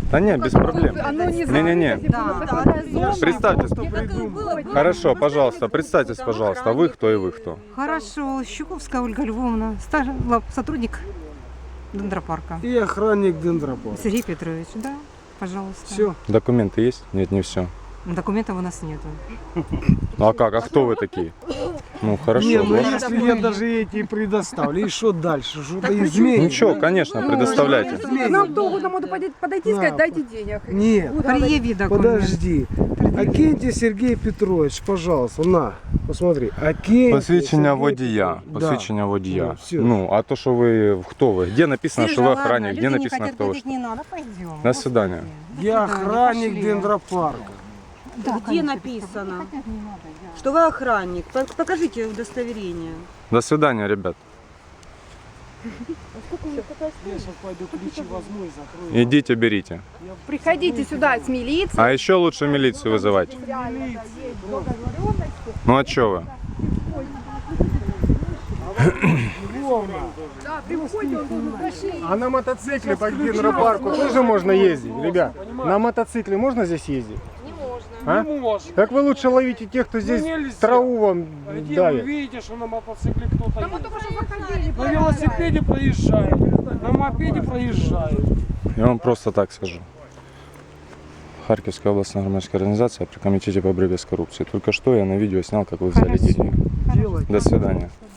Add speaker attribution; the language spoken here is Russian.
Speaker 1: Да не, без проблем. Не-не-не. Представьтесь. Хорошо, пожалуйста, представьтесь, пожалуйста. Вы кто и вы кто?
Speaker 2: Хорошо, Щуковская Ольга Львовна, сотрудник дендропарка.
Speaker 3: И охранник дендропарка.
Speaker 2: Сергей Петрович, да, пожалуйста.
Speaker 3: Все.
Speaker 1: Документы есть? Нет, не все.
Speaker 2: Документов у нас нету.
Speaker 1: Ну а как? А кто вы такие? Ну хорошо.
Speaker 3: Не, ну
Speaker 1: ладно.
Speaker 3: если я даже эти предоставлю, и что дальше? Что-то изменится?
Speaker 1: Ничего, конечно, предоставляйте.
Speaker 4: Нам кто угодно может подойти и сказать, дайте денег.
Speaker 3: Нет,
Speaker 2: Предъяви документ.
Speaker 3: подожди. Акентий Сергей Петрович, пожалуйста, на, посмотри. Акентий
Speaker 1: Посвідчення
Speaker 3: Сергей
Speaker 1: водія.
Speaker 3: Петрович.
Speaker 1: Посвідчення водія.
Speaker 3: Ну, всё.
Speaker 1: Ну, а то, что вы, кто вы? Где написано,
Speaker 2: Сережа,
Speaker 1: что вы
Speaker 2: ладно,
Speaker 1: охранник? Где
Speaker 2: люди не
Speaker 1: написано,
Speaker 2: хотят
Speaker 1: кто вы?
Speaker 2: платить, не надо, пойдем.
Speaker 1: До свидания.
Speaker 3: Да. Я охранник
Speaker 2: пошли.
Speaker 3: дендропарка.
Speaker 2: Да,
Speaker 4: Где
Speaker 2: конечно,
Speaker 4: написано,
Speaker 2: хотят, не надо, я.
Speaker 4: что вы охранник? Покажите удостоверение.
Speaker 1: До свидания, ребят.
Speaker 3: Я сейчас пойду ключи возьму и закрою.
Speaker 1: Идите, берите.
Speaker 4: Приходите сюда с милицией.
Speaker 1: А еще лучше милицию вызывать. Ну а что вы?
Speaker 5: А на мотоцикле по гидропарку тоже можно ездить, ребят? На мотоцикле можно здесь ездить?
Speaker 4: Не можно.
Speaker 5: А?
Speaker 3: Не можно.
Speaker 5: Так вы лучше ловите тех, кто здесь
Speaker 3: нельзя.
Speaker 5: траву вам
Speaker 3: Где вы
Speaker 5: давит.
Speaker 3: видите, что на мотоцикле кто-то едет? На велосипеде проезжает, на мопеде проезжает.
Speaker 1: Я вам просто так скажу. Харьковская областная громадская организация при комитете по борьбе с коррупцией. Только что я на видео снял, как вы взяли деньги.
Speaker 3: Делать.
Speaker 1: До свидания.